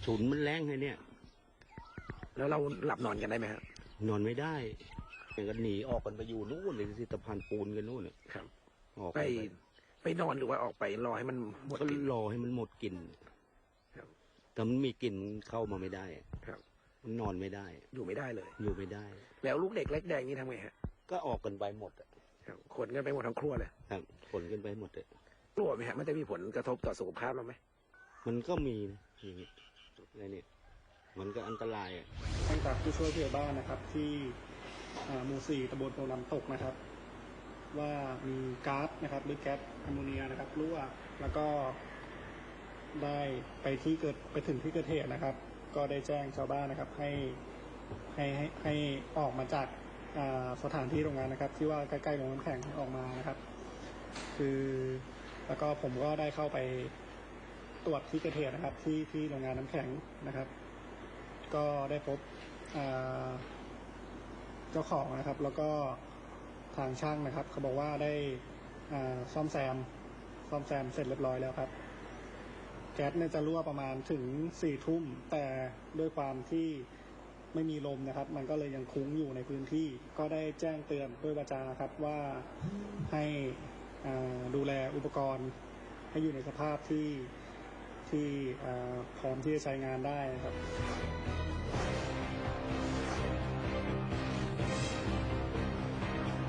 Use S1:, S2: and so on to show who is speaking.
S1: ฉุนมันแรงเลยเนี่ย
S2: แล้วเราหลับนอนกันได้ไหมครับ
S1: นอนไม่ได้กันหนีออกกันไปอยู่นู่นเลยที่สะพานปูนกันนู่น
S2: ครับ
S1: ออก
S2: ไปนอนหรือว่าออกไปรอให้มันหมด
S1: ก็
S2: กลิ่น
S1: รอให้มันหมดกลิ่น
S2: ครับ
S1: แต่มันมีกลิ่นเข้ามาไม่ได้
S2: ครับ
S1: มันนอนไม่ได้
S2: อยู่ไม่ได้เลย
S1: อยู่ไม่ได้
S2: แล้วลูกเด็กเล็กแดงนี่ทำไงฮะ
S1: ก็ออกกันไปหมด
S2: ครับขนกันไปหมดทั้งครัวเลย
S1: ครับขนกันไปหมดเลย
S2: กลัวไหมฮะมันจะมีผลกระทบต่อสุขภาพเราไหม
S1: มันก็มีอย่างนี้อะไรเนี่ยมันก็อันตราย
S3: ท่านจากผู้ช่วยผู้ใหญ่บ้านนะครับที่หมู่4ตำบลโพน้ำตกนะครับว่ามีก๊าซนะครับหรือแก๊สแอมโมเนียนะครับรั่วแล้วก็ได้ไปถึงที่เกิดเหตุนะครับก็ได้แจ้งชาวบ้านนะครับให้ออกมาจากสถานที่โรงงานนะครับที่ว่าใกล้ๆโรงน้ำแข็งออกมานะครับคือแล้วก็ผมก็ได้เข้าไปตรวจที่เกิดเหตุนะครับที่โรงงานน้ำแข็งนะครับก็ได้พบเจ้าของนะครับแล้วก็ทางช่างนะครับเขาบอกว่าได้ซ่อมแซมเสร็จเรียบร้อยแล้วครับแก๊สเนี่ยจะรั่วประมาณถึง4 ทุ่มแต่ด้วยความที่ไม่มีลมนะครับมันก็เลยยังคุ้งอยู่ในพื้นที่ก็ได้แจ้งเตือนด้วยวาจาครับว่าให้ดูแลอุปกรณ์ให้อยู่ในสภาพที่พร้อมที่จะใช้งานได้นะครับ